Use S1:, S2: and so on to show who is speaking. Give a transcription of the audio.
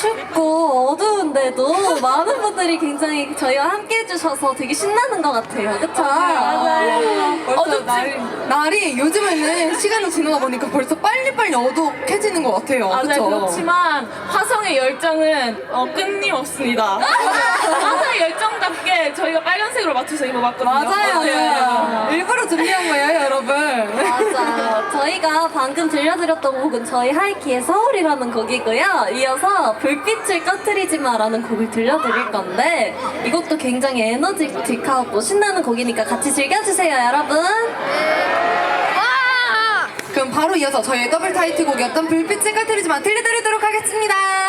S1: 춥고 어두운데도 많은 분들이 굉장히 저희와 함께 해주셔서 되게 신나는 것 같아요. 그쵸?
S2: 맞아요.
S3: 벌써 날이 요즘에는 시간이 지나다 보니까 벌써 빨리빨리 어둑해지는 것 같아요.
S2: 맞아요.
S3: 그쵸?
S2: 그렇지만 화성의 열정은 끊임없습니다. 화성의 열정답게 저희가 빨간색으로 맞춰서 입어봤거든요.
S3: 맞아요.
S2: 어때요?
S3: 일부러 준비한 거예요, 여러분.
S1: 맞아. 저희가 방금 들려드렸던 곡은 저희 하이키의 서울이라는 곡이고요. 이어서 불빛을 꺼트리지 마라는 곡을 들려드릴 건데 이 곡도 굉장히 에너지틱하고 신나는 곡이니까 같이 즐겨주세요, 여러분.
S3: 그럼 바로 이어서 저희의 더블 타이틀곡이었던 불빛을 꺼트리지만 들려드리도록 하겠습니다.